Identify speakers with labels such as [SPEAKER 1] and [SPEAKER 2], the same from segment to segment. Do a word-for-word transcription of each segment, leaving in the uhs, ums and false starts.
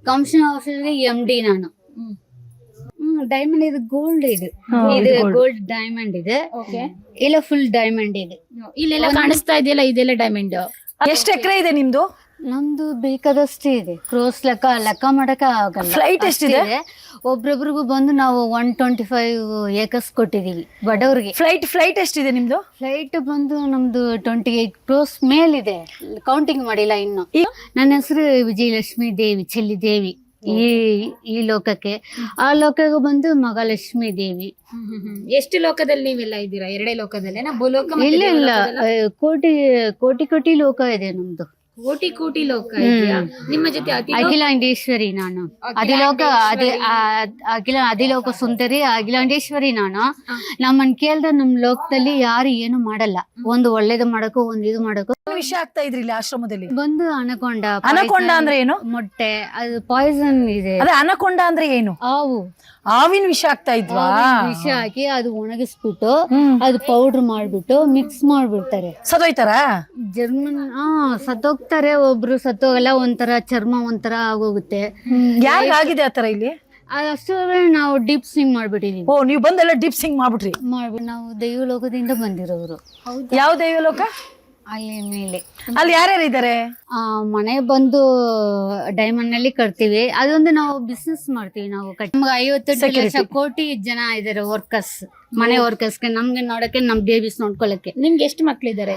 [SPEAKER 1] Commission ಆಫೀಸರ್ಗೆ M D ನಾನು. ಹ್ಮ್ diamond ಇದು gold ಇದು ಇದು ಗೋಲ್ಡ್ ಡೈಮಂಡ್ ಇದೆ. ಇಲ್ಲ ಫುಲ್ ಡೈಮಂಡ್ ಇದೆ.
[SPEAKER 2] ಇಲ್ಲೆಲ್ಲ ಕಾಣಿಸ್ತಾ ಇದೆಯಲ್ಲ ಇದೆಲ್ಲ ಡೈಮಂಡ್.
[SPEAKER 3] ಎಷ್ಟು ಎಕರೆ ಇದೆ ನಿಮ್ದು?
[SPEAKER 1] ನಮ್ದು ಬೇಕಾದಷ್ಟೇ ಇದೆ. ಕ್ರೋಸ್ ಲೆಕ್ಕ ಲೆಕ್ಕ ಮಾಡಕ ಆಗಲ್ಲ.
[SPEAKER 3] ಫ್ಲೈಟ್ ಎಷ್ಟಿದೆ?
[SPEAKER 1] ಒಬ್ರೊಬ್ರಿಗೂ ಬಂದು ನಾವು ಒನ್ ಟ್ವೆಂಟಿ ಫೈವ್ ಏಕರ್ಸ್ ಕೊಟ್ಟಿದೀವಿ ಬಡವ್ರಿಗೆ.
[SPEAKER 3] ಫ್ಲೈಟ್ ಫ್ಲೈಟ್ ಎಷ್ಟಿದೆ ನಿಮ್ದು?
[SPEAKER 1] ಫ್ಲೈಟ್ ಬಂದು ನಮ್ದು ಟ್ವೆಂಟಿ ಏಟ್ ಕ್ರೋಸ್ ಮೇಲಿದೆ, ಕೌಂಟಿಂಗ್ ಮಾಡಿಲ್ಲ ಇನ್ನು. ನನ್ನ ಹೆಸರು ವಿಜಯಲಕ್ಷ್ಮಿ ದೇವಿ ಚೆಲ್ಲಿ ದೇವಿ. ಈ ಈ ಲೋಕಕ್ಕೆ ಆ ಲೋಕಕ್ಕೆ ಬಂದು ಮಹಾಲಕ್ಷ್ಮಿ ದೇವಿ.
[SPEAKER 2] ಎಷ್ಟು ಲೋಕದಲ್ಲಿ ನೀವೆಲ್ಲ ಇದ್ದೀರಾ? ಎರಡೇ ಲೋಕದಲ್ಲೇನಾ? ಭೂಲೋಕ ಮತ್ತೆ
[SPEAKER 1] ಇಲ್ಲ ಇಲ್ಲ
[SPEAKER 2] ದೇವಲೋಕದಲ್ಲ?
[SPEAKER 1] ಕೋಟಿ ಕೋಟಿ ಕೋಟಿ ಲೋಕ ಇದೆ ನಮ್ದು.
[SPEAKER 2] ಕೋಟಿ ಕೋಟಿ ಲೋಕ ಇದೆಯಾ? ನಿಮ್ಮ ಜೊತೆ ಅತಿ
[SPEAKER 1] ಅಖಿಲಾಂಡೇಶ್ವರಿ ನಾನು. ಅದಿಲೋಕ ಅದಿ ಅಖಿಲ ಅದಿಲೋಕ ಸುಂದರಿ ಅಖಿಲಾಂಡೇಶ್ವರಿ ನಾನು. ನಮ್ಮನ್ ಕೇಳ್ದ ನಮ್ ಲೋಕದಲ್ಲಿ ಯಾರು ಏನು ಮಾಡಲ್ಲ. ಒಂದು ಒಳ್ಳೇದು ಮಾಡಕ್ಕೂ ಒಂದ್ ಇದು ಮಾಡಕ್ಕೂ.
[SPEAKER 3] ವಿಷಯ ಆಗ್ತಾ ಇದ್ರಿ ಇಲ್ಲಿ ಆಶ್ರಮದಲ್ಲಿ?
[SPEAKER 1] ಬಂದು ಅನಕೊಂಡ
[SPEAKER 3] ಅನಕೊಂಡ ಅಂದ್ರೆ ಏನು?
[SPEAKER 1] ಮೊಟ್ಟೆ ಅದು ಪಾಯ್ಸನ್ ಇದೆ.
[SPEAKER 3] ಅದೇ ಅನಕೊಂಡ ಅಂದ್ರೆ ಏನು?
[SPEAKER 1] ಹಾವು
[SPEAKER 3] ಹಾವಿನ ವಿಷ ಆಗ್ತಾ ಇದ್ವಾ?
[SPEAKER 1] ವಿಷ ಹಾಕಿ ಅದು ಒಣಗಿಸ್ಬಿಟ್ಟು ಅದು ಪೌಡರ್ ಮಾಡ್ಬಿಟ್ಟು ಮಿಕ್ಸ್ ಮಾಡ್ಬಿಡ್ತಾರೆ.
[SPEAKER 3] ಸದೋಯ್ತಾರ?
[SPEAKER 1] ಜರ್ಮನ್ ಹಾ ಸತ್ತೋಗ್ತಾರೆ. ಒಬ್ರು ಸತ್ತೋಗಲ್ಲ, ಒಂಥರ ಚರ್ಮ ಒಂಥರ ಆಗೋಗುತ್ತೆ.
[SPEAKER 3] ಯಾರಿಗ ಆಗಿದೆ ಆತರ ಇಲ್ಲಿ?
[SPEAKER 1] ಅದಷ್ಟು ನಾವು ಡೀಪ್ ಸ್ವಿಂಗ್ ಮಾಡ್ಬಿಟ್ಟಿದೀವಿ.
[SPEAKER 3] ಓ ನೀವು ಬಂದೆಲ್ಲ ಡಿಪ್ ಸಿಂಗ್ ಮಾಡ್ಬಿಟ್ರಿ?
[SPEAKER 1] ಮಾಡ್ಬಿಟ್ಟು ನಾವು ದೈವಲೋಕದಿಂದ ಬಂದಿರೋರು.
[SPEAKER 3] ಯಾವ ದೈವಲೋಕ?
[SPEAKER 1] ಅಲ್ಲಿ ಮೇಲೆ.
[SPEAKER 3] ಅಲ್ಲಿ ಯಾರ್ಯಾರು ಇದಾರೆ?
[SPEAKER 1] ಆ ಮನೆ ಬಂದು ಡೈಮಂಡ್ ನಲ್ಲಿ ಕಟ್ತೀವಿ. ಅದೊಂದು ನಾವು ಬಿಸ್ನೆಸ್ ಮಾಡ್ತೀವಿ. ನಾವು ನಮ್ಗೆ ಐವತ್ತು ಲಕ್ಷ ಕೋಟಿ ಜನ ಇದಾರೆ ವರ್ಕರ್ಸ್, ಮನೆ ವರ್ಕರ್ಸ್ಗೆ, ನಮ್ಗೆ ನೋಡಕ್ಕೆ ನಮ್ ಬೇಬೀಸ್ ನೋಡ್ಕೊಳಕ್ಕೆ.
[SPEAKER 2] ನಿಮ್ಗೆ ಎಷ್ಟು ಮಕ್ಳಿದ್ದಾರೆ?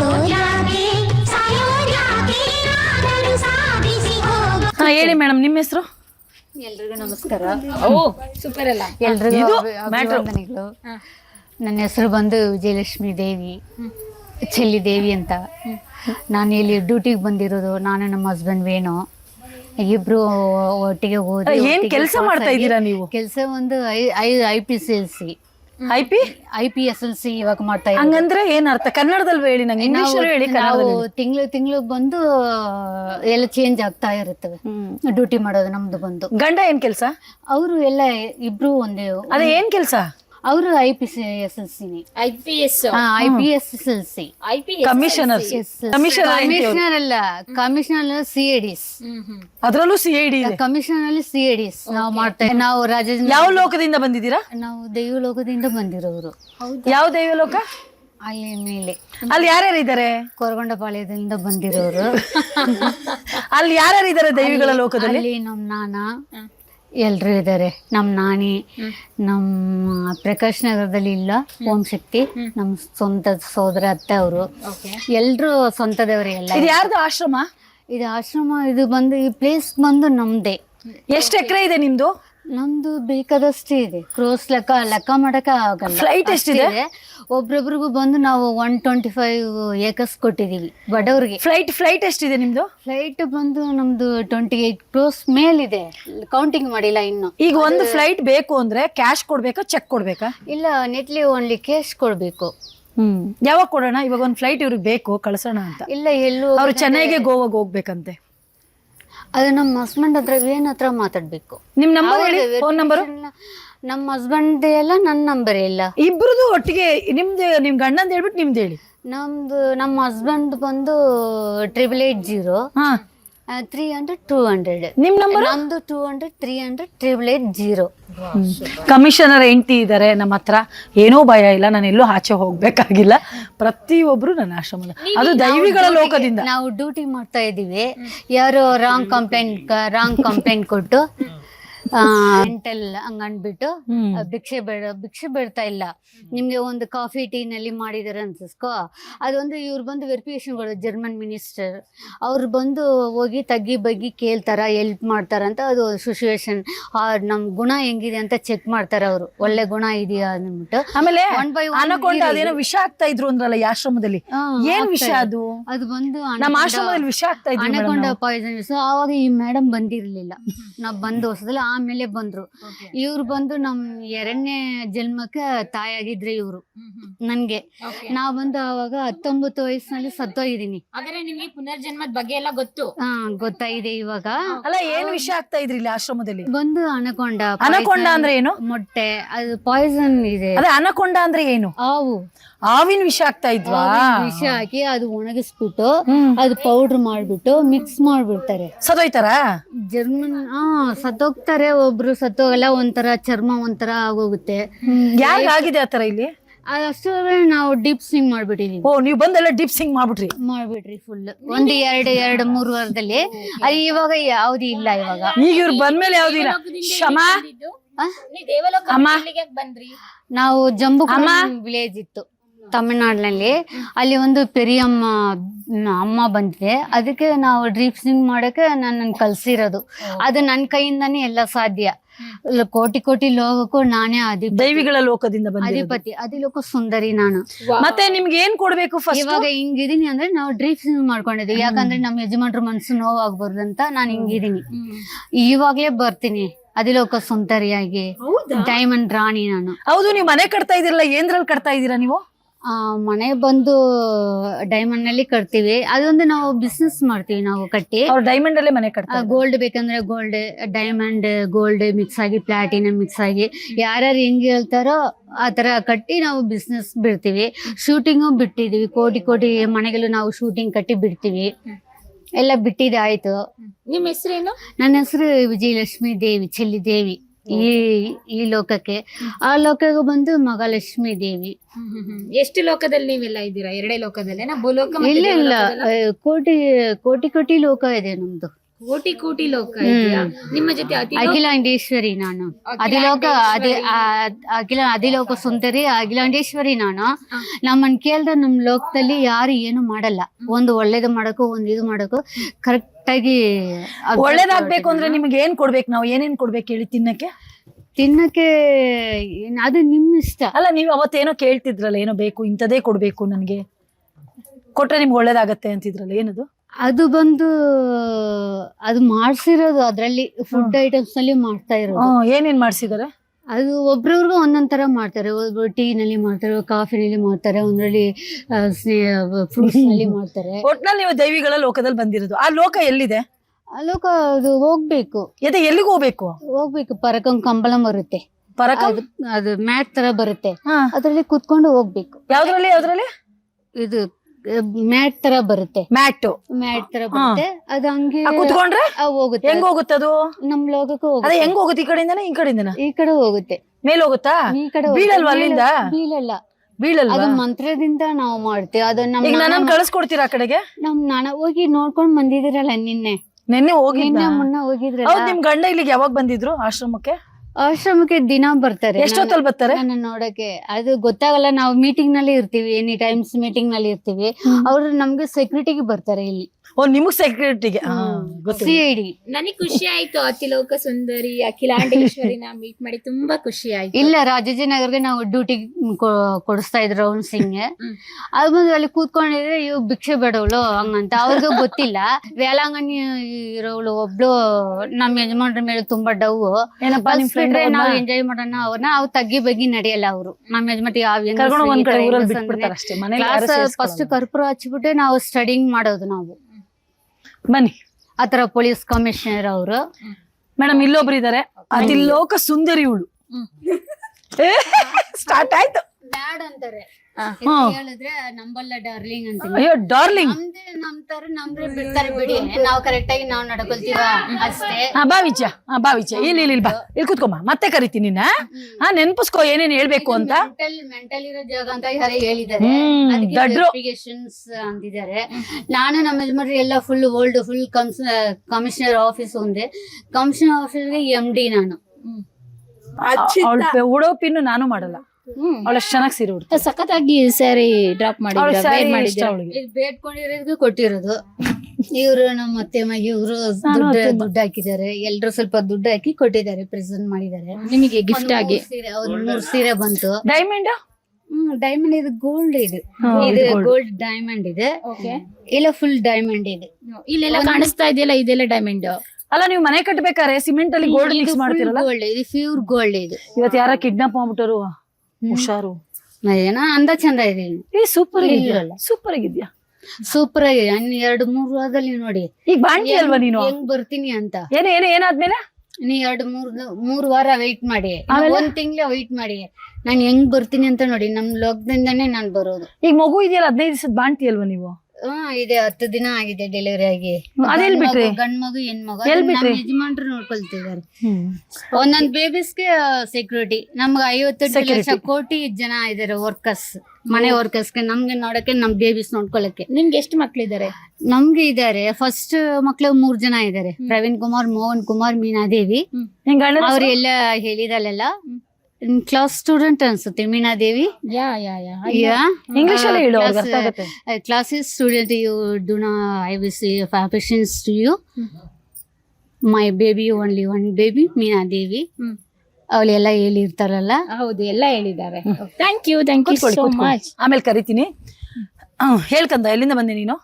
[SPEAKER 3] ಹಾ ಹೇಳಿ ಮೇಡಮ್, ನಿಮ್ಮ ಹೆಸರು?
[SPEAKER 1] ಎಲ್ರಿಗೂ ನಮಸ್ಕಾರ.
[SPEAKER 2] ಓ ಸೂಪರ್ ಅಲ್ಲ.
[SPEAKER 1] ಎಲ್ರಿಗೂ ಅಭಿವಂದನೆಗಳು. ನನ್ನ ಹೆಸರು ಬಂದು ವಿಜಯಲಕ್ಷ್ಮಿ ದೇವಿ ಚೆಲ್ಲಿ ದೇವಿ ಅಂತ. ನಾನು ಇಲ್ಲಿ ಡ್ಯೂಟಿಗೆ ಬಂದಿರೋದು. ನಾನು ನಮ್ಮ ಹಸ್ಬೆಂಡ್ ವೇಣು ಇಬ್ರು ಒಟ್ಟಿಗೆ ಹೋಗಿ.
[SPEAKER 3] ಏನ್ ಕೆಲಸ ಮಾಡ್ತಾ ಇದ್ದೀರಾ ನೀವು?
[SPEAKER 1] ಕೆಲಸ ಒಂದು I P C L C
[SPEAKER 3] I P
[SPEAKER 1] I P S L C ಇವಾಗ ಮಾಡ್ತಾ ಇದ್ದೀವಿ.
[SPEAKER 3] ಹಂಗಂದ್ರೆ ಏನ್ ಅರ್ಥ? ಕನ್ನಡದಲ್ಲಿ ಹೇಳಿ, ನಂಗೆ ಇಂಗ್ಲಿಷ್ ಹೇಳಿ.
[SPEAKER 1] ನಾವು ತಿಂಗಳು ತಿಂಗಳು ಬಂದು ಎಲ್ಲ ಚೇಂಜ್ ಆಗ್ತಾ ಇರುತ್ತವೆ ಡ್ಯೂಟಿ ಮಾಡೋದು ನಮ್ದು ಬಂದು.
[SPEAKER 3] ಗಂಡ ಏನ್ ಕೆಲ್ಸ?
[SPEAKER 1] ಅವರು ಎಲ್ಲ ಇಬ್ರು ಒಂದೇ.
[SPEAKER 3] ಅದೇ ಏನ್ ಕೆಲ್ಸ?
[SPEAKER 1] ಅವರು I P C S L C
[SPEAKER 2] I P S
[SPEAKER 1] I P S S L C
[SPEAKER 2] I P
[SPEAKER 3] commissioner.
[SPEAKER 1] Commissioner ಅಲ್ಲ, ಕಮಿಷನರ್ ಸಿ ಎ ಡಿಸ್.
[SPEAKER 3] ಅದ್ರಲ್ಲೂ ಸಿ ಐ ಡಿ ಇದೆ.
[SPEAKER 1] ಕಮಿಷನರ್ ಅಲ್ಲಿ ಸಿ ಎ ಡಿಸ್ ನಾವು ಮಾಡ್ತಾ ಇದ್ದೀವಿ. ನಾವು ರಾಜ
[SPEAKER 3] ಯಾವ ಲೋಕದಿಂದ ಬಂದಿದ್ದೀರಾ?
[SPEAKER 1] ನಾವು ದೈವಲೋಕದಿಂದ ಬಂದಿರೋರು.
[SPEAKER 3] ಯಾವ ದೈವಲೋಕ?
[SPEAKER 1] ಅಲ್ಲಿ ಮೇಲೆ.
[SPEAKER 3] ಅಲ್ಲಿ ಯಾರ್ಯಾರು ಇದಾರೆ?
[SPEAKER 1] ಕೊರಗೊಂಡಪಾಳ್ಯದಿಂದ ಬಂದಿರೋರು.
[SPEAKER 3] ಅಲ್ಲಿ ಯಾರ್ಯಾರು ಇದಾರೆ ದೈವಿಗಳ ಲೋಕದಲ್ಲಿ?
[SPEAKER 1] ಅಲ್ಲಿ ನಮ್ ನಾನ ಎಲ್ರು ಇದ್ದಾರೆ. ನಮ್ ನಾನಿ, ನಮ್ಮ ಪ್ರಕಾಶ್ ನಗರದಲ್ಲಿ ಇಲ್ಲ ಓಂ ಶಕ್ತಿ, ನಮ್ ಸ್ವಂತ ಸೋದರ ಅತ್ತೆ ಅವರು ಎಲ್ರು ಸ್ವಂತದವ್ರೆ ಎಲ್ಲ.
[SPEAKER 3] ಇದು ಯಾರ್ದು ಆಶ್ರಮ?
[SPEAKER 1] ಇದು ಆಶ್ರಮ. ಇದು ಬಂದು ಈ ಪ್ಲೇಸ್ ಬಂದು ನಮ್ದೇ.
[SPEAKER 3] ಎಷ್ಟು ಎಕರೆ ಇದೆ ನಿಮ್ದು?
[SPEAKER 1] ನಮ್ದು ಬೇಕಾದಷ್ಟೇ ಇದೆ. ಕ್ರೋಸ್ ಲೆಕ್ಕ ಲೆಕ್ಕ ಮಾಡಕ ಆಗಲ್ಲ.
[SPEAKER 3] ಫ್ಲೈಟ್ ಎಷ್ಟಿದೆ?
[SPEAKER 1] ಒಬ್ರೊಬ್ರಿಗೂ ಬಂದು ನಾವು ಒನ್ ಟ್ವೆಂಟಿ ಫೈವ್ ಏಕರ್ಸ್ ಕೊಟ್ಟಿದೀವಿ ಬಡವ್ರಿಗೆ.
[SPEAKER 3] ಫ್ಲೈಟ್ ಫ್ಲೈಟ್ ಎಷ್ಟಿದೆ ನಿಮ್ದು?
[SPEAKER 1] ಫ್ಲೈಟ್ ಬಂದು ನಮ್ದು ಟ್ವೆಂಟಿ ಏಟ್ ಕ್ರೋಸ್ ಮೇಲಿದೆ, ಕೌಂಟಿಂಗ್ ಮಾಡಿಲ್ಲ ಇನ್ನು.
[SPEAKER 3] ಈಗ ಒಂದು ಫ್ಲೈಟ್ ಬೇಕು ಅಂದ್ರೆ ಕ್ಯಾಶ್ ಕೊಡ್ಬೇಕಾ ಚೆಕ್ ಕೊಡ್ಬೇಕಾ?
[SPEAKER 1] ಇಲ್ಲ, ನೆಟ್ಲಿ ಓನ್ಲಿ ಕ್ಯಾಶ್ ಕೊಡ್ಬೇಕು.
[SPEAKER 3] ಹ್ಮ್ ಯಾವಾಗ ಕೊಡೋಣ? ಇವಾಗ ಒಂದು ಫ್ಲೈಟ್ ಇವ್ರಿಗೆ ಬೇಕು, ಕಳ್ಸೋಣ ಅಂತ.
[SPEAKER 1] ಇಲ್ಲ, ಎಲ್ಲೂ
[SPEAKER 3] ಅವ್ರು ಚೆನ್ನೈಗೆ ಗೋವಾಗ ಹೋಗ್ಬೇಕಂತೆ.
[SPEAKER 1] ಅದು ನಮ್ಮ ಹಸ್ಬೆಂಡ್ ಹತ್ರ ಏನ್ ಹತ್ರ ಮಾತಾಡ್ಬೇಕು.
[SPEAKER 3] ನಿಮ್ ನಂಬರ್ ಹೇಳಿ, ಫೋನ್ ನಂಬರ್.
[SPEAKER 1] ನಮ್ಮ ಹಸ್ಬೆಂಡ್ ಎಲ್ಲ, ನನ್ನ ನಂಬರ್ ಇಲ್ಲ.
[SPEAKER 3] ಇಬ್ರದು ಒಟ್ಟಿಗೆ ನಿಮ್ದು, ನಿಮ್ ಗಂಡಂದ್ ಹೇಳ್ಬಿಟ್ಟು ನಿಮ್ದು ಹೇಳಿ.
[SPEAKER 1] ನಮ್ದು ನಮ್ಮ ಹಸ್ಬೆಂಡ್ ಬಂದು ಟ್ರಿಬಲ್ ಏಟ್ ಜೀರೋ
[SPEAKER 3] ಹಾ
[SPEAKER 1] ತ್ರೀ ಹಂಡ್ರೆಡ್ ಟೂ ಹಂಡ್ರೆಡ್.
[SPEAKER 3] ನಿಮ್ ನಂಬರ್?
[SPEAKER 1] ನಮ್ದು two hundred three hundred triple eight zero.
[SPEAKER 3] Commissioner ಹೆಂಡತಿ ಇದಾರೆ ನಮ್ಮ ಹತ್ರ, ಏನೋ ಭಯ ಇಲ್ಲ, ನಾನು ಎಲ್ಲೂ ಆಚೆ ಹೋಗ್ಬೇಕಾಗಿಲ್ಲ. ಪ್ರತಿಯೊಬ್ರು ನನ್ನ ಆಶ್ರಮದ, ಅದು ದೈವಿಗಳ ಲೋಕದಿಂದ.
[SPEAKER 1] ನಾವು ಡ್ಯೂಟಿ ಮಾಡ್ತಾ ಇದೀವಿ. ಯಾರೋ ರಾಂಗ್ ಕಂಪ್ಲೇಂಟ್ ರಾಂಗ್ ಕಂಪ್ಲೇಂಟ್ ಕೊಟ್ಟು ಮೆಂಟಲ್ ಹಂಗ ಅಂದ್ಬಿಟ್ಟು ಭಿಕ್ಷೆ ಬೇಡ ಭಿಕ್ಷೆ ಬೇಡ್ತಾ ಇಲ್ಲ. ನಿಮ್ಗೆ ಒಂದು ಕಾಫಿ ಟೀ ನಲ್ಲಿ ಮಾಡಿದಾರೆ ಅನ್ಸಿಸ್ಕೋ, ಅದೊಂದು ಇವ್ರು ಬಂದು ವೆರಿಫಿಕೇಶನ್ ಕೊಡೋದು ಜರ್ಮನ್ ಮಿನಿಸ್ಟರ್. ಅವ್ರು ಬಂದು ಹೋಗಿ ತಗ್ಗಿ ಬಗ್ಗಿ ಕೇಳ್ತಾರ, ಹೆಲ್ಪ್ ಮಾಡ್ತಾರ ಅಂತ. ಅದು ಸಿಚುವೇಶನ್ ನಮ್ ಗುಣ ಹೆಂಗಿದೆ ಅಂತ ಚೆಕ್ ಮಾಡ್ತಾರ ಅವರು, ಒಳ್ಳೆ ಗುಣ ಇದೆಯಾ ಅಂದ್ಬಿಟ್ಟು.
[SPEAKER 3] ಆಮೇಲೆ ಅನಕೊಂಡ ಅದೇನೋ ವಿಷ ಆಗ್ತಾ ಇದ್ರು ಅಂದ್ರಲ್ಲ ಈ ಆಶ್ರಮದಲ್ಲಿ, ಏನ್ ವಿಷ ಅದು?
[SPEAKER 1] ಅದು ಬಂದು
[SPEAKER 3] ನಮ್ಮ ಆಶ್ರಮದಲ್ಲಿ ವಿಷ ಆಗ್ತಾ ಇದ್ರು,
[SPEAKER 1] ಅನಕೊಂಡ ಪಾಯ್ಸನ್ ವಿಷ. ಆವಾಗ ಈ ಮೇಡಮ್ ಬಂದಿರ್ಲಿಲ್ಲ, ನಾವ್ ಬಂದು ಹೊಸದಲ್ಲ. ಆಮೇಲೆ ಬಂದ್ರು. ಇವ್ರು ಬಂದು ನಮ್ ಎರಡನೇ ಜನ್ಮಕ್ಕೆ ತಾಯಾಗಿದ್ರೆ ಇವ್ರು ನನ್ಗೆ. ನಾವ್ ಬಂದು ಅವಾಗ ಹತ್ತೊಂಬತ್ತು ವಯಸ್ಸಿನಲ್ಲಿ ಸತ್ತೋಗಿದೀನಿ.
[SPEAKER 2] ಹಾಗಾದ್ರೆ ನಿಮ್ಗೆ ಪುನರ್ಜನ್ಮದ ಬಗ್ಗೆ ಎಲ್ಲ ಗೊತ್ತು.
[SPEAKER 1] ಹಾ ಗೊತ್ತಾಗಿದೆ ಇವಾಗ.
[SPEAKER 3] ಅಲ್ಲ ಏನ್ ವಿಷಯ ಆಗ್ತಾ ಇದ್ರಿ ಇಲ್ಲಿ ಆಶ್ರಮದಲ್ಲಿ?
[SPEAKER 1] ಬಂದು ಅನಕೊಂಡ
[SPEAKER 3] ಅನಕೊಂಡ ಅಂದ್ರೆ ಏನು?
[SPEAKER 1] ಮೊಟ್ಟೆ, ಅದು ಪಾಯ್ಸನ್ ಇದೆ.
[SPEAKER 3] ಅದೇ ಅನಕೊಂಡ ಅಂದ್ರೆ ಏನು?
[SPEAKER 1] ಹಾವು,
[SPEAKER 3] ಹಾವಿನ ವಿಷ ಆಗ್ತಾ ಇದ್ವಾ?
[SPEAKER 1] ವಿಷ ಹಾಕಿ ಅದು ಒಣಗಿಸ್ಬಿಟ್ಟು ಅದು ಪೌಡರ್ ಮಾಡ್ಬಿಟ್ಟು ಮಿಕ್ಸ್ ಮಾಡ್ಬಿಡ್ತಾರೆ.
[SPEAKER 3] ಸದೋಯ್ತಾರ?
[SPEAKER 1] ಜರ್ಮನ್ ಹಾ ಸತ್ತೋಗ್ತಾರೆ, ಒಬ್ರು ಸತ್ತೋಗಲ್ಲ, ಒಂಥರ ಚರ್ಮ ಒಂಥರ ಆಗೋಗುತ್ತೆ.
[SPEAKER 3] ಯಾಕೆ ಆಗಿದೆ ಆತರ ಇಲ್ಲಿ?
[SPEAKER 1] ಅಷ್ಟು ನಾವು ಡೀಪ್ ಸ್ವಿಂಗ್ ಮಾಡ್ಬಿಟ್ಟಿದೀವಿ.
[SPEAKER 3] ಓ ನೀವು ಬಂದೆಲ್ಲ ಡೀಪ್ ಸಿಂಗ್ ಮಾಡ್ಬಿಟ್ರಿ?
[SPEAKER 1] ಮಾಡ್ಬಿಟ್ರಿ ಫುಲ್ ಒಂದ್ ಎರಡು ಎರಡು ಮೂರು ವಾರದಲ್ಲಿ. ಅದು ಇವಾಗ ಯಾವ್ದು ಇಲ್ಲ ಇವಾಗ.
[SPEAKER 3] ಈಗ ಇವ್ರು ಬಂದ್ಮೇಲೆ ಯಾವ್ದು ಇಲ್ಲ. ಕ್ಷಮ ಅಮ್ಮ,
[SPEAKER 2] ಬಂದ್ರಿ
[SPEAKER 1] ನಾವು ಜಂಬು ವಿಲೇಜ್ ಇತ್ತು ತಮಿಳ್ನಾಡಿನಲ್ಲಿ, ಅಲ್ಲಿ ಒಂದು ಪೆರಿಯಮ್ಮ ಅಮ್ಮ ಬಂದಿದೆ. ಅದಕ್ಕೆ ನಾವು ಡ್ರೀಪ್ ಸ್ವಿಂಗ್ ಮಾಡಕ್ಕೆ ನನ್ನ ಕಲ್ಸಿರೋದು. ಅದು ನನ್ನ ಕೈಯಿಂದಾನೇ ಎಲ್ಲ ಸಾಧ್ಯ. ಕೋಟಿ ಕೋಟಿ ಲೋಕಕ್ಕೂ ನಾನೇ ಅಧಿಪತಿ,
[SPEAKER 3] ದೈವಿಗಳ ಲೋಕದಿಂದ ಬಂದ
[SPEAKER 1] ಅಧಿಪತಿ, ಅಧಿಲೋಕ ಸುಂದರಿ ನಾನು.
[SPEAKER 3] ಮತ್ತೆ ನಿಮ್ಗೆ ಏನ್ ಕೊಡ್ಬೇಕು ಫಸ್ಟ್?
[SPEAKER 1] ಇವಾಗ ಹಿಂಗಿದೀನಿ ಅಂದ್ರೆ ನಾವು ಡ್ರೀಪ್ ಸ್ವಿಂಗ್ ಮಾಡ್ಕೊಂಡಿದ್ವಿ. ಯಾಕಂದ್ರೆ ನಮ್ಮ ಯಜಮಾನ್ರ ಮನ್ಸು ನೋವಾಗ್ಬಾರ್ದು ಅಂತ ನಾನು ಹಿಂಗಿದೀನಿ. ಇವಾಗ್ಲೇ ಬರ್ತೀನಿ ಅಧಿಲೋಕ ಸುಂದರಿಯಾಗಿ, ಡೈಮಂಡ್ ರಾಣಿ ನಾನು.
[SPEAKER 3] ಹೌದು, ನೀವು ಮನೆ ಕಟ್ತಾ ಇದೀರಲ್ಲ, ಏನ್ರಲ್ಲಿ ಕಟ್ತಾ ಇದೀರಾ ನೀವು?
[SPEAKER 1] ಆ ಮನೆ ಬಂದು ಡೈಮಂಡ್ ನಲ್ಲಿ ಕಟ್ತೀವಿ. ಅದೊಂದು ನಾವು ಬಿಸ್ನೆಸ್ ಮಾಡ್ತೀವಿ ನಾವು ಕಟ್ಟಿ.
[SPEAKER 3] ಅವ್ರು ಡೈಮಂಡ್ ಅಲ್ಲೇ ಮನೆ ಕಟ್ತಾರೆ.
[SPEAKER 1] ಗೋಲ್ಡ್ ಬೇಕಂದ್ರೆ ಗೋಲ್ಡ್, ಡೈಮಂಡ್ ಗೋಲ್ಡ್ ಮಿಕ್ಸ್ ಆಗಿ, ಪ್ಲಾಟಿನಮ್ ಮಿಕ್ಸ್ ಆಗಿ, ಯಾರ್ಯಾರು ಹೆಂಗ್ ಹೇಳ್ತಾರೋ ಆ ತರ ಕಟ್ಟಿ ನಾವು ಬಿಸ್ನೆಸ್ ಬಿಡ್ತೀವಿ. ಶೂಟಿಂಗು ಬಿಟ್ಟಿದೀವಿ, ಕೋಟಿ ಕೋಟಿ ಮನೆಗಳು ನಾವು ಶೂಟಿಂಗ್ ಕಟ್ಟಿ ಬಿಡ್ತೀವಿ. ಎಲ್ಲ ಬಿಟ್ಟಿದೆ ಆಯ್ತು.
[SPEAKER 2] ನಿಮ್ ಹೆಸರೇನು?
[SPEAKER 1] ನನ್ನ ಹೆಸರು ವಿಜಯಲಕ್ಷ್ಮಿ ದೇವಿ, ಚೆಲ್ಲಿ ದೇವಿ. ಈ ಈ ಲೋಕಕ್ಕೆ, ಆ ಲೋಕಕ್ಕೆ ಬಂದು ಮಹಾಲಕ್ಷ್ಮಿ ದೇವಿ.
[SPEAKER 2] ಎಷ್ಟು ಲೋಕದಲ್ಲಿ ನೀವೆಲ್ಲ ಇದ್ದೀರಾ? ಎರಡೇ ಲೋಕದಲ್ಲೇನಾ? ಭೂಲೋಕ ಮತ್ತೆ
[SPEAKER 1] ಇಲ್ಲ ಇಲ್ಲ,
[SPEAKER 2] ದೇವಲೋಕದಲ್ಲ?
[SPEAKER 1] ಕೋಟಿ ಕೋಟಿ ಕೋಟಿ ಲೋಕ ಇದೆ ನಮ್ದು.
[SPEAKER 2] ಕೋಟಿ ಕೋಟಿ ಲೋಕ ಇದೆಯಾ? ನಿಮ್ಮ ಜೊತೆ ಅತಿ
[SPEAKER 1] ಅಖಿಲಾಂಡೇಶ್ವರಿ ನಾನು. ಅಧಿಲೋಕ ಅದಿ ಅಖಿಲ ಅಧಿಲೋಕ ಸುಂದರಿ ಅಖಿಲಾಂಡೇಶ್ವರಿ ನಾನು. ನಮ್ಮನ್ ಕೇಳ್ದ ನಮ್ ಲೋಕದಲ್ಲಿ ಯಾರು ಏನು ಮಾಡಲ್ಲ. ಒಂದು ಒಳ್ಳೇದು ಮಾಡಕ್ಕೂ, ಒಂದ್ ಇದು ಮಾಡಕ್ಕೂ ಕರೆಕ್ಟ್ ಆಗಿ.
[SPEAKER 3] ಒಳ್ಳೇದಾಗ್ಬೇಕು ಅಂದ್ರೆ ನಿಮ್ಗೆ ಏನ್ ಕೊಡ್ಬೇಕು? ನಾವು ಏನೇನ್ ಕೊಡ್ಬೇಕು ಹೇಳಿ ತಿನ್ನಕ್ಕೆ?
[SPEAKER 1] ತಿನ್ನಕ್ಕೆ ಏನ್- ಅದು ನಿಮ್ ಇಷ್ಟ.
[SPEAKER 3] ಅಲ್ಲ, ನೀವು ಅವತ್ತೇನೋ ಕೇಳ್ತಿದ್ರಲ್ಲ, ಏನೋ ಬೇಕು ಇಂಥದೇ ಕೊಡ್ಬೇಕು ನನ್ಗೆ, ಕೊಟ್ರೆ ನಿಮ್ಗೆ ಒಳ್ಳೇದಾಗತ್ತೆ ಅಂತಿದ್ರಲ್ಲ, ಏನದು?
[SPEAKER 1] ಅದು ಬಂದು ಅದು ಮಾಡ್ಸಿರೋದು, ಅದ್ರಲ್ಲಿ ಫುಡ್ ಐಟಮ್ಸ್ ನಲ್ಲಿ ಮಾಡ್ತಾ ಇರೋದು.
[SPEAKER 3] ಹ್ಮ್, ಏನೇನ್ ಮಾಡ್ಸಿದಾರೆ?
[SPEAKER 1] ಅದು ಒಬ್ರೊಬ್ರಿಗೂ ಒಂದೊಂದ್ ತರ ಮಾಡ್ತಾರೆ. ಒಬ್ರು ಟೀ ನಲ್ಲಿ ಮಾಡ್ತಾರೆ, ಕಾಫಿನಲ್ಲಿ ಮಾಡ್ತಾರೆ, ಒಂದ್ರಲ್ಲಿ ಫ್ರೂಟ್ಸ್ ನಲ್ಲಿ ಮಾಡ್ತಾರೆ.
[SPEAKER 3] ಒಟ್ನಲ್ಲಿ ನೀವು ದೈವಿಗಳ ಲೋಕದಲ್ಲಿ ಬಂದಿರೋದು. ಆ ಲೋಕ ಎಲ್ಲಿದೆ?
[SPEAKER 1] ಅಲ್ಲೋಕ ಅದು ಹೋಗ್ಬೇಕು.
[SPEAKER 3] ಎದೆ ಎಲ್ಲಿಗೆ ಹೋಗ್ಬೇಕು?
[SPEAKER 1] ಹೋಗ್ಬೇಕು, ಪರಕಂ ಕಂಬಳಂ ಬರುತ್ತೆ,
[SPEAKER 3] ಪರಕ
[SPEAKER 1] ಅದು ಅದು ಮ್ಯಾಟ್ ತರ ಬರುತ್ತೆ,
[SPEAKER 3] ಹಾ.
[SPEAKER 1] ಅದ್ರಲ್ಲಿ ಕುತ್ಕೊಂಡು ಹೋಗ್ಬೇಕು.
[SPEAKER 3] ಯಾವ್ದ್ರಲ್ಲಿ ಯಾವ್ದ್ರಲ್ಲಿ?
[SPEAKER 1] ಇದು ಮ್ಯಾಟ್ ತರ ಬರುತ್ತೆ,
[SPEAKER 3] ಮ್ಯಾಟ್
[SPEAKER 1] ಮ್ಯಾಟ್ ತರ ಬರುತ್ತೆ. ಅದು ಹಂಗೆ
[SPEAKER 3] ಕುತ್ಕೊಂಡ್ರೆ
[SPEAKER 1] ಆ ಹೋಗುತ್ತೆ.
[SPEAKER 3] ಹೆಂಗ್ ಹೋಗುತ್ತದು?
[SPEAKER 1] ನಮ್ ಲೋಕಕ್ಕೂ
[SPEAKER 3] ಅದೇ
[SPEAKER 1] ಹೋಗುತ್ತೆ.
[SPEAKER 3] ಹೆಂಗ್ ಹೋಗುತ್ತೆ? ಈ ಕಡೆಯಿಂದನ ಈ ಕಡೆಯಿಂದನ?
[SPEAKER 1] ಈ ಕಡೆ ಹೋಗುತ್ತೆ,
[SPEAKER 3] ಮೇಲ್ ಹೋಗುತ್ತಾ?
[SPEAKER 1] ಈ ಕಡೆ ಹೋಗುತ್ತೆ.
[SPEAKER 3] ಬೀಳಲ್ವಾ ಅಲ್ಲಿಂದ?
[SPEAKER 1] ಬೀಳಲ್ಲ,
[SPEAKER 3] ಬೀಳಲ್ವಾ?
[SPEAKER 1] ಅದು ಮಂತ್ರದಿಂದ ನಾವು ಮಾಡ್ತೀವಿ. ಅದು ನಮ್
[SPEAKER 3] ಈಗ
[SPEAKER 1] ನಾನ
[SPEAKER 3] ನನ್ನ ಕಳಿಸ್ಕೊಡ್ತೀರಾ ಆ ಕಡೆಗೆ?
[SPEAKER 1] ನಮ್ ನಾನ ಹೋಗಿ ನೋಡ್ಕೊಂಡ್ ಬಂದಿದಿರಲ್ಲ ನಿನ್ನೆ.
[SPEAKER 3] ನಿನ್ನೆ ಹೋಗಿದ್ದ?
[SPEAKER 1] ನಿನ್ನೆ ಮುನ್ನ ಹೋಗಿದ್ರಲ್ಲ.
[SPEAKER 3] ಹೌದ್, ನಿಮ್ ಗಂಡ ಇಲ್ಲಿಗೆ ಯಾವಾಗ ಬಂದಿದ್ರು ಆಶ್ರಮಕ್ಕೆ?
[SPEAKER 1] ಆಶ್ರಮಕ್ಕೆ ದಿನ ಬರ್ತಾರೆ
[SPEAKER 3] ಎಷ್ಟೊತ್ತಲ್ಲಿ ಬರ್ತಾರೆ?
[SPEAKER 1] ನನ್ನ ನೋಡಕ್ಕೆ. ಅದು ಗೊತ್ತಾಗಲ್ಲ, ನಾವು ಮೀಟಿಂಗ್ ನಲ್ಲಿ ಇರ್ತೀವಿ, ಎನಿ ಟೈಮ್ಸ್ ಮೀಟಿಂಗ್ ನಲ್ಲಿ ಇರ್ತೀವಿ. ಅವ್ರು ನಮ್ಗೆ ಸೆಕ್ಯೂರಿಟಿಗೆ ಬರ್ತಾರೆ ಇಲ್ಲಿ.
[SPEAKER 3] ಓ, ನಿಮಗ್ ಸೆಕ್ಯೂರಿಟಿಗೆ
[SPEAKER 1] ಸಿ ಐ ಡಿ.
[SPEAKER 2] ನನಗೆ ಖುಷಿ ಆಯ್ತು, ಅತಿಲೋಕ ಸುಂದರಿ ಅಖಿಲಾಂಡೇಶ್ವರಿನ ಮೀಟ್ ಮಾಡಿ ತುಂಬಾ ಖುಷಿ ಆಯ್ತು.
[SPEAKER 1] ಇಲ್ಲ, ರಾಜಾಜಿನಗರ್ಗೆ ನಾವು ಡ್ಯೂಟಿ ಕೊಡಿಸ್ತಾ ಇದ್ರು ರೌಂಡ್ ಸಿಂಗ್. ಅದು ಬಂದು ಅಲ್ಲಿ ಕೂತ್ಕೊಂಡಿದ್ರೆ ಇವ್ ಭಿಕ್ಷೆ ಬೇಡವಳು ಹಂಗಂತ ಅವ್ರಿಗೂ ಗೊತ್ತಿಲ್ಲ. ವೇಲಾಂಗಣಿ ಇರೋಳು ಒಬ್ಳು ನಮ್ ಯಜಮಾನ್ರ ಮೇಲೆ ತುಂಬಾ ಡವ್.
[SPEAKER 3] ಏನಪ್ಪಾ ನಿಮ್ ಫ್ರೆಂಡ್?
[SPEAKER 1] ನಾವು ಎಂಜಾಯ್ ಮಾಡೋಣ ಅವ್ರನ್ನ. ಅವ್ರು ತಗ್ಗಿ ಬಗ್ಗಿ ನಡೆಯಲ್ಲ ಅವರು. ನಮ್ ಯಜಮಾನ್
[SPEAKER 3] ಕರ್ಕೊಂಡು ಒಂದ್ ಕಡೆ ಊರಲ್ಲಿ ಬಿಟ್ಬಿಡ್ತಾರೆ ಅಷ್ಟೇ. ಮನೆಗೆ ಯಾರು ಸೇರ್ಸ್ಕೊಳಲ್ಲ.
[SPEAKER 1] ಫಸ್ಟ್ ಕರ್ಪೂರ ಹಚ್ಬಿಟ್ಟೆ ನಾವು ಸ್ಟಡಿಂಗ್ ಮಾಡೋದು ನಾವು.
[SPEAKER 3] ಬನ್ನಿ.
[SPEAKER 1] ಆತರ ಪೊಲೀಸ್ ಕಮಿಷನರ್ ಅವರು.
[SPEAKER 3] ಮೇಡಮ್ ಇಲ್ಲೊಬ್ರು ಇದಾರೆ, ಅತಿಲೋಕ ಸುಂದರಿ ಇವಳು. ಸ್ಟಾರ್ಟ್ ಆಯ್ತು.
[SPEAKER 1] ಬ್ಯಾಡ್ ಅಂತಾರೆ,
[SPEAKER 3] ಹ್ಮ್.
[SPEAKER 1] ಹೇಳಿದ್ರೆ ನಂಬಲ್ಲ ಡಾರ್ಲಿಂಗ್ ಅಂತ.
[SPEAKER 3] ಅಯ್ಯೋ ಡಾರ್ಲಿಂಗ್,
[SPEAKER 1] ನಮ್ದೇ ನಂಬ್ತಾರ, ನಮ್ದ್ರೆ ಬಿಡ್ತಾರೆ ಬಿಡಿ. ನಾವು ಕರೆಕ್ಟ್ ಆಗಿ ನಾವು ನಡ್ಕೊಳ್ತೀವ ಅಷ್ಟೇ.
[SPEAKER 3] ಹಾ ಬಾ ವಿಚ, ಹಾ ಬಾ ವಿಚ, ಇಲ್ಲಿ ಇಲ್ಲಿ ಬಾ, ಇಲ್ಲಿ ಕುತ್ಕೊಮ್ಮ, ಮತ್ತೆ ಕರಿತೀನಿ ನಿನ್ನ. ಹಾ ನೆನ್ಪಿಸ್ಕೋ ಏನೇನ್ ಹೇಳ್ಬೇಕು ಅಂತ.
[SPEAKER 1] ಮೆಂಟಲ್ ಮೆಂಟಲ್ ಇರೋ ಜಾಗ ಅಂತ ಯಾರೇ ಹೇಳಿದ್ದಾರೆ.
[SPEAKER 3] ಹ್ಮ್,
[SPEAKER 1] ಅದಕ್ಕೆ
[SPEAKER 3] ದಡ್ರು.
[SPEAKER 1] ವೆರಿಫಿಕೇಶನ್ಸ್ ಅಂತಿದ್ದಾರೆ. ನಾನು ನಮ್ಮ ಯಜಮಾನ್ರಿ ಎಲ್ಲ full old full commissioner office ಒಂದೇ. ಕಮಿಷನರ್ ಆಫೀಸ್ಗೆ ಎಂ ಡಿ ನಾನು.
[SPEAKER 3] ಅವಳ ಉಡೋಪಿನ್ನು ನಾನು ಮಾಡಲ್ಲ, ಅವಳ ಚೆನ್ನಾಗಿ ಸೀರೆ ಉಡ್ತಾಳೆ.
[SPEAKER 2] ಸಖತ್ತಾಗಿ ಸ್ಯಾರಿ ಡ್ರಾಪ್
[SPEAKER 3] ಅವ್ಳ
[SPEAKER 2] ಮಾಡಿದ್ರೆ
[SPEAKER 3] ಸ್ಯಾರಿ ಇಷ್ಟ ಅವಳಿಗೆ.
[SPEAKER 1] ಇದು ಬೇಡ್ಕೊಂಡಿರೋದಕ್ಕೆ ಕೊಟ್ಟಿರೋದು. ಇವ್ರು ನಮ್ಮ ಅತ್ತೆ ಮಗಿ ಇವ್ರು ದುಡ್ಡು ದುಡ್ಡು ಹಾಕಿದ್ದಾರೆ. ಎಲ್ರು ಸ್ವಲ್ಪ ದುಡ್ಡು ಹಾಕಿ ಕೊಟ್ಟಿದ್ದಾರೆ, ಪ್ರೆಸೆಂಟ್ ಮಾಡಿದ್ದಾರೆ
[SPEAKER 2] ನಿಮಗೆ ಗಿಫ್ಟ್ ಆಗಿ.
[SPEAKER 1] ಸೀರೆ, ಒಂದ್ ಮೂರ್ ಸೀರೆ ಬಂತು.
[SPEAKER 3] ಡೈಮಂಡ್?
[SPEAKER 1] ಹ್ಮ್, ಡೈಮಂಡ್ ಇದು ಗೋಲ್ಡ್. ಇದು ಇದು ಗೋಲ್ಡ್ ಡೈಮಂಡ್ ಇದೆ. ಇಲ್ಲ ಫುಲ್ ಡೈಮಂಡ್ ಇದೆ.
[SPEAKER 2] ಇಲ್ಲೆಲ್ಲ ಕಾಣಿಸ್ತಾ ಇದೆಯಲ್ಲ, ಇದೆಲ್ಲ ಡೈಮಂಡ್.
[SPEAKER 3] ಅಲ್ಲ ನೀವು ಮನೆ ಕಟ್ಬೇಕಾರೆ ಸಿಮೆಂಟ್ ಅಲ್ಲಿ ಗೋಲ್ಡ್ ಮಿಕ್ಸ್ ಮಾಡ್ತಿರಲ್ಲ.
[SPEAKER 1] ಗೋಲ್ಡ್ ಇದು ಪ್ಯೂರ್ ಗೋಲ್ಡ್ ಇದು.
[SPEAKER 3] ಇವತ್ತು ಯಾರ ಕಿಡ್ನಾಪ್ ಮಾಡ್ಬಿಟ್ಟರು, ಹುಷಾರು.
[SPEAKER 1] ಏನೋ ಅಂದ ಚಂದ ಇದೆ.
[SPEAKER 3] ಏ ಸೂಪರ್
[SPEAKER 1] ಇಲ್ಲ.
[SPEAKER 3] ಸೂಪರ್ ಆಗಿದ್ಯಾ,
[SPEAKER 1] ಸೂಪರ್ ಆಗಿದೆ. ಇನ್ನು ಎರಡು ಮೂರು ವಾರದಲ್ಲಿ ನೋಡಿ
[SPEAKER 3] ಈಗ ಬಾಣ್ತಿ ಅಲ್ವಾ ನೀನು,
[SPEAKER 1] ಹೆಂಗ್ ಬರ್ತೀನಿ ಅಂತ.
[SPEAKER 3] ಏನೇ ಏನೇ ಏನಾದ್ಮೇಲೆ
[SPEAKER 1] ನೀ ಎರಡು ಮೂರ್ ಮೂರ್ ವಾರ ವೆಯ್ಟ್ ಮಾಡಿ, ಒಂದ್ ತಿಂಗ್ಳ ವೆಯ್ಟ್ ಮಾಡಿ, ನಾನ್ ಹೆಂಗ್ ಬರ್ತೀನಿ ಅಂತ ನೋಡಿ. ನಮ್ ಲೋಕದಿಂದಾನೇ ನಾನ್ ಬರೋದು.
[SPEAKER 3] ಈಗ ಮಗು ಇದೆಯಲ್ಲ ಹದಿನೈದು ದಿವಸದ ಬಾಣ್ತಿ ಅಲ್ವಾ ನೀವು?
[SPEAKER 1] ಹಾ ಇದೆ, ಹತ್ತು ದಿನ ಆಗಿದೆ ಡೆಲಿವರಿ ಆಗಿ.
[SPEAKER 3] ಅದೆಲ್ ಬಿಟ್ರಿ?
[SPEAKER 1] ಗಂಡ್ ಮಗು ಹೆಣ್ ಮಗು
[SPEAKER 3] ಎಲ್
[SPEAKER 1] ನಮ್ಮ
[SPEAKER 3] ಬಿಟ್ರಿ?
[SPEAKER 1] ಯಜಮಾನ್ರು ನೋಡ್ಕೊಳ್ತಿದಾರೆ. ಒಂದೊಂದ್ ಬೇಬೀಸ್ಗೆ ಸೆಕ್ಯೂರಿಟಿ. ನಮ್ಗೆ ಐವತ್ತು ಲಕ್ಷ ಕೋಟಿ ಜನ ಇದಾರೆ ವರ್ಕರ್ಸ್, ಮನೆ ವರ್ಕರ್ಸ್ಗೆ. ನಮ್ಗೆ ನೋಡಕ್ಕೆ ನಮ್ ಬೇಬೀಸ್ ನೋಡ್ಕೊಳಕ್ಕೆ.
[SPEAKER 2] ನಿಮ್ಗೆ ಎಷ್ಟು ಮಕ್ಳಿದ್ದಾರೆ?
[SPEAKER 1] ನಮ್ಗೆ ಇದಾರೆ ಫಸ್ಟ್ ಮಕ್ಳು ಮೂರ್ ಜನ ಇದಾರೆ. ಪ್ರವೀಣ್ ಕುಮಾರ್, ಮೋಹನ್ ಕುಮಾರ್, ಮೀನಾದೇವಿ. ಅವ್ರು ಎಲ್ಲ ಹೇಳಿದಲ್ಲೆಲ್ಲ ಕ್ಲಾಸ್ ಸ್ಟೂಡೆಂಟ್ ಅನ್ಸುತ್ತೆ ಮೀನಾದೇವಿ.
[SPEAKER 2] ಯಾ ಯಾ ಯಾ
[SPEAKER 1] ಯಾ
[SPEAKER 3] ಇಂಗ್ಲಿಷ್ ಅಲ್ಲಿ ಹೇಳು, ಅವ್ರಿಗೆ ಅರ್ಥ ಆಗುತ್ತೆ.
[SPEAKER 1] Classes student you do not I will say affections to you my baby only one baby Meenadevi. ಅವಳೆಲ್ಲ ಹೇಳಿರ್ತಾರಲ್ಲ.
[SPEAKER 2] ಹೌದು, ಎಲ್ಲ ಹೇಳಿದ್ದಾರೆ. Thank you, thank you so much.
[SPEAKER 3] ಆಮೇಲೆ ಕರಿತೀನಿ. ಹೇಳ್ಕಂದ, ಎಲ್ಲಿಂದ ಬಂದೆ ನೀನು?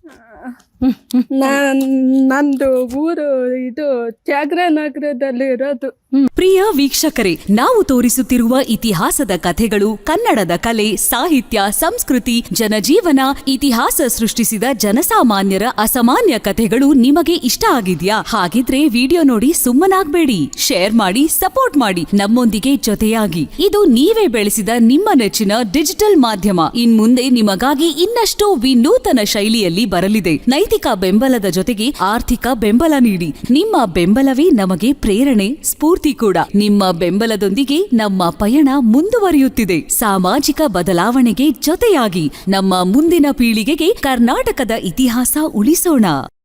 [SPEAKER 4] ನಾನ್ ನಂದು ಊರು ಇದು ತ್ಯಾಗರಾಯನಗರದಲ್ಲಿ ಇರೋದು.
[SPEAKER 5] ಪ್ರಿಯ ವೀಕ್ಷಕರೇ, ನಾವು ತೋರಿಸುತ್ತಿರುವ ಇತಿಹಾಸದ ಕಥೆಗಳು ಕನ್ನಡದ ಕಲೆ, ಸಾಹಿತ್ಯ, ಸಂಸ್ಕೃತಿ, ಜನಜೀವನ, ಇತಿಹಾಸ ಸೃಷ್ಟಿಸಿದ ಜನಸಾಮಾನ್ಯರ ಅಸಾಮಾನ್ಯ ಕಥೆಗಳು ನಿಮಗೆ ಇಷ್ಟ ಆಗಿದ್ಯಾ? ಹಾಗಿದ್ರೆ ವಿಡಿಯೋ ನೋಡಿ ಸುಮ್ಮನಾಗ್ಬೇಡಿ, ಶೇರ್ ಮಾಡಿ, ಸಪೋರ್ಟ್ ಮಾಡಿ, ನಮ್ಮೊಂದಿಗೆ ಜೊತೆಯಾಗಿ. ಇದು ನೀವೇ ಬೆಳೆಸಿದ ನಿಮ್ಮ ನೆಚ್ಚಿನ ಡಿಜಿಟಲ್ ಮಾಧ್ಯಮ. ಇನ್ಮುಂದೆ ನಿಮಗಾಗಿ ಇನ್ನಷ್ಟು ವಿನೂತನ ಶೈಲಿಯಲ್ಲಿ ಬರಲಿದೆ. ನೈತಿಕ ಬೆಂಬಲದ ಜೊತೆಗೆ ಆರ್ಥಿಕ ಬೆಂಬಲ ನೀಡಿ. ನಿಮ್ಮ ಬೆಂಬಲವೇ ನಮಗೆ ಪ್ರೇರಣೆ, ಸ್ಫೂರ್ತಿ ಕೂಡ. ನಿಮ್ಮ ಬೆಂಬಲದೊಂದಿಗೆ ನಮ್ಮ ಪಯಣ ಮುಂದುವರಿಯುತ್ತಿದೆ. ಸಾಮಾಜಿಕ ಬದಲಾವಣೆಗೆ ಜೊತೆಯಾಗಿ ನಮ್ಮ ಮುಂದಿನ ಪೀಳಿಗೆಗೆ ಕರ್ನಾಟಕದ ಇತಿಹಾಸ ಉಳಿಸೋಣ.